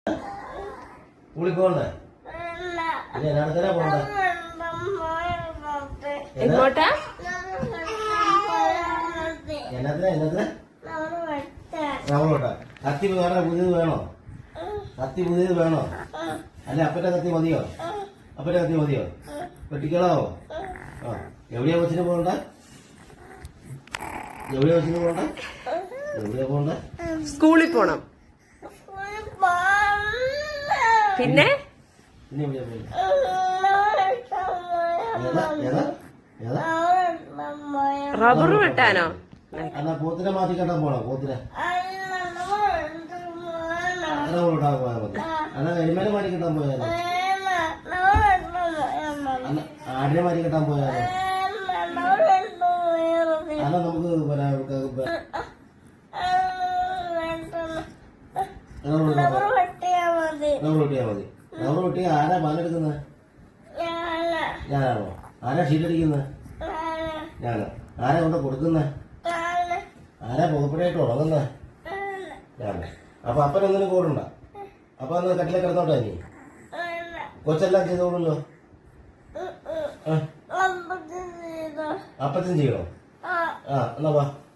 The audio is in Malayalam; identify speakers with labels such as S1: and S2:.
S1: സ്കൂളിൽ പോകണ്ടേ? ഇനി എന്നാടത്തന്നെ പോകണ്ടേ?
S2: എങ്ങോട്ടാ?
S1: എന്നത്തിനാ നമ്മളോട്ടാ? കത്തി വേറെ പുതിയത് വേണോ? കത്തി പുതിയത് വേണോ? അല്ല അപ്പന്റെ കത്തി മതിയോ? അപ്പന്റെ കത്തി മതിയോ? വെട്ടിക്കളാവോ? ആ എവിടെയാ കൊച്ചിന് പോകണ്ട? എവിടെയാ കൊച്ചിന് പോകണ്ട? എവിടെയാ പോകണ്ട?
S2: സ്കൂളിൽ പോണം. പിന്നെ
S1: പിന്നെ എവിടെയാ പോകണ്ട? ഏതാ
S2: റബ്ബർ വെട്ടാനോ?
S1: എന്നാ പോത്തിനെ മാറ്റി കെട്ടാൻ പോണോ? പോത്തിനെ റബ്ബറിട്ടാൻ പോയാൽ മതി. എന്നാ കരിമേനെ മാറ്റി കെട്ടാൻ പോയാലോ? ആടിനെ മാറ്റി കെട്ടാൻ പോയാലോ? അല്ല നമുക്ക് റബ്ബർ വെട്ടിയാ മതി. റബ്ബർ വെട്ടിയാ ആരാ പാലെടുക്കുന്നത്? ഞാനാണോ? ആരാ ഷീറ്റടിക്കുന്നത്? ഞാനോ? ആരാ കൊണ്ട് കൊടുക്കുന്നത്? ആരാ പുകപ്പടിയായിട്ട് ഉറങ്ങുന്നത്? ഞാനോ? അപ്പൊ അപ്പനൊന്നിനും കൂടണ്ട. അപ്പൊ അന്ന് കട്ടിലെ കിടന്നോട്ടെ. നീ കൊച്ചെല്ലാം ചെയ്തോളൂല്ലോ. അപ്പച്ചും ചെയ്യണോ? ആ എന്നാ വാ.